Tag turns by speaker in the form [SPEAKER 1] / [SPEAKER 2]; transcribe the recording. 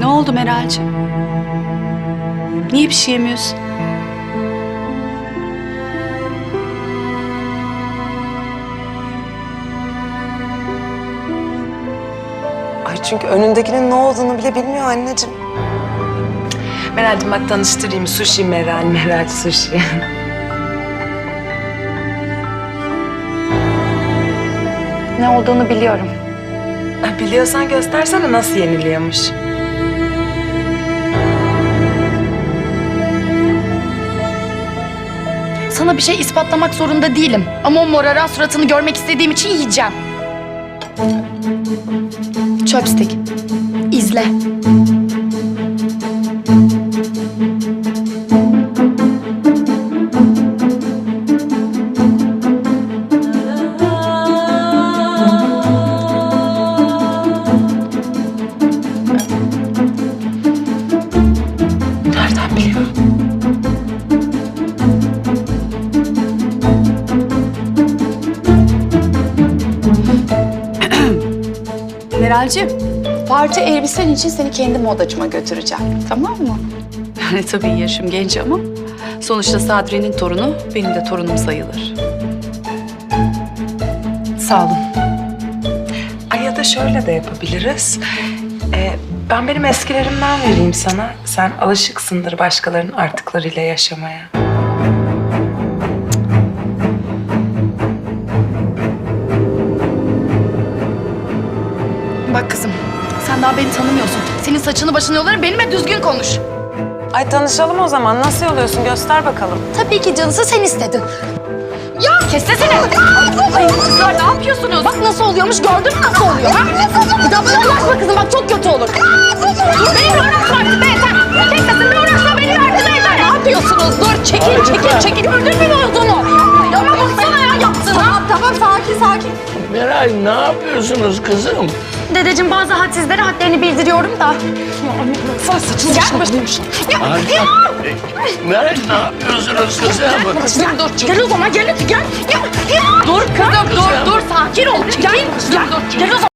[SPEAKER 1] Ne oldu Meral'cığım? Niye bir şey yemiyorsun?
[SPEAKER 2] Ay çünkü önündekinin ne olduğunu bile bilmiyor anneciğim.
[SPEAKER 3] Meral'cim bak tanıştırayım. Sushi Meral, Meral Sushi.
[SPEAKER 4] Ne olduğunu biliyorum.
[SPEAKER 3] Biliyorsan göstersene nasıl yeniliyormuş.
[SPEAKER 4] Sana bir şey ispatlamak zorunda değilim. Ama o moraran suratını görmek istediğim için yiyeceğim. Chopstick. İzle.
[SPEAKER 3] Nereden biliyor?
[SPEAKER 1] Meral'cığım.
[SPEAKER 4] Parti elbisen için seni kendi modacıma götüreceğim. Tamam mı?
[SPEAKER 1] Yani tabii yaşım genç ama sonuçta Sadri'nin torunu benim de torunum sayılır.
[SPEAKER 4] Sağ olun.
[SPEAKER 3] Ay ya da şöyle de yapabiliriz. Ben benim eskilerimden vereyim sana. Sen alışıksındır başkalarının artıklarıyla yaşamaya.
[SPEAKER 4] Bak kızım, sen daha beni tanımıyorsun. Senin saçını başını yolarım, benimle düzgün konuş.
[SPEAKER 2] Ay tanışalım o zaman. Nasıl yoluyorsun? Göster bakalım.
[SPEAKER 4] Tabii ki canısı sen istedin. Ya kes sesini. Ay kızlar ne yapıyorsunuz? Bak nasıl oluyormuş, gördün mü nasıl oluyor? Bir daha bana ulaşma kızım, bak çok kötü olur. Dur benimle uğraşma artık be yeter. Kes sesini uğraşma, beni verdi be yeter. Ne yapıyorsunuz? Dur çekil. Gördün mü ne olduğunu? Ama baksana ya yaptığına. Tamam sakin.
[SPEAKER 5] Meral ne yapıyorsunuz kızım?
[SPEAKER 4] Dedeciğim bazı hadsizlere hadlerini bildiriyorum da. Sen saçını gel başına.
[SPEAKER 5] Meral ne yapıyorsunuz kızım?
[SPEAKER 4] Dur gel o zaman gel. Dur kızım dur sakin ol. Gel o zaman.